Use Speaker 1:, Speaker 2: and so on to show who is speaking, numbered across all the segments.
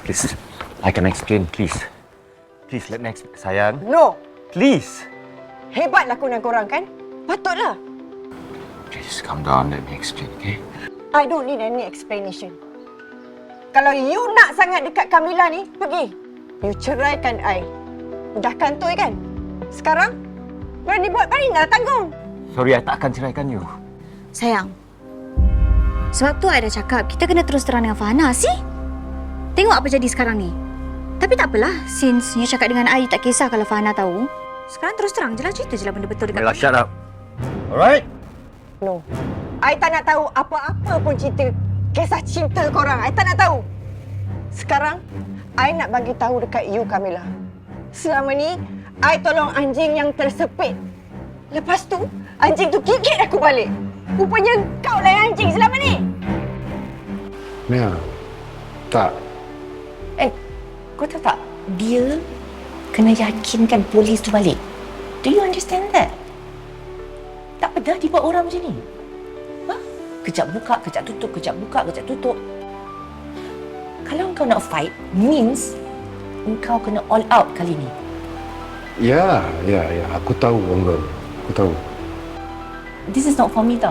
Speaker 1: Please, I can explain, please. Please, let me explain. Sayang,
Speaker 2: No!
Speaker 1: please.
Speaker 2: Hebat lakonan korang kan? Patutlah.
Speaker 1: Please, calm down. Let me explain, okay?
Speaker 2: I don't need any explanation. Kalau you nak sangat dekat Kamila ni, pergi. You ceraikan I. Dah kantoi kan? Sekarang, berani buat main dah tanggung.
Speaker 1: Sorry, I tak akan ceraikan you.
Speaker 3: Sayang, sebab tu I dah cakap kita kena terus terang dengan Farhana. See? Tengok apa jadi sekarang ni. Tapi tak apalah, since you cakap dengan I tak kisah kalau Farhana tahu. Sekarang terus terang je lah, cerita je lah benda betul dekat
Speaker 1: Kamila, shut up. Alright?
Speaker 2: No. I tak nak tahu apa-apa pun cerita kisah cinta korang. I tak nak tahu. Sekarang, I nak bagi tahu dekat you, Kamila. Selama ni, I tolong anjing yang tersepit. Lepas tu, anjing tu gigit aku balik. Rupanya kau lah yang anjing selama ni.
Speaker 4: Mia, tak.
Speaker 5: Kau tahu tak? Dia kena yakinkan polis tu balik. Do you understand that? Tak pernah dibuat orang macam ni. Ha? Kejap buka, kejap tutup, kejap buka, kejap tutup. Kalau kau nak fight, means engkau kena all out kali ni.
Speaker 4: Ya. Aku tahu, Uncle. Aku tahu.
Speaker 5: This is not for me tau.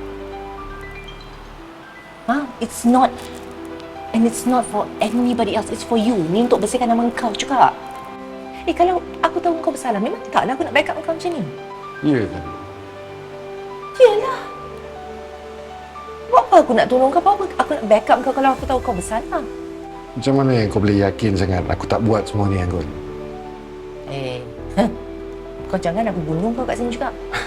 Speaker 5: It's not. And it's not for anybody else. It's for you. Ni untuk bersihkan nama kau juga. Kalau aku tahu kau bersalah, memang taklah aku nak backup kau macam ni.
Speaker 4: Ya kan?
Speaker 5: Yelah. Buat apa aku nak tolong kau? Buat apa aku nak backup kau kalau aku tahu kau bersalah?
Speaker 4: Macam mana yang kau boleh yakin sangat aku tak buat semua ni, Uncle?
Speaker 5: Kau jangan aku bunuh kau kat sini juga.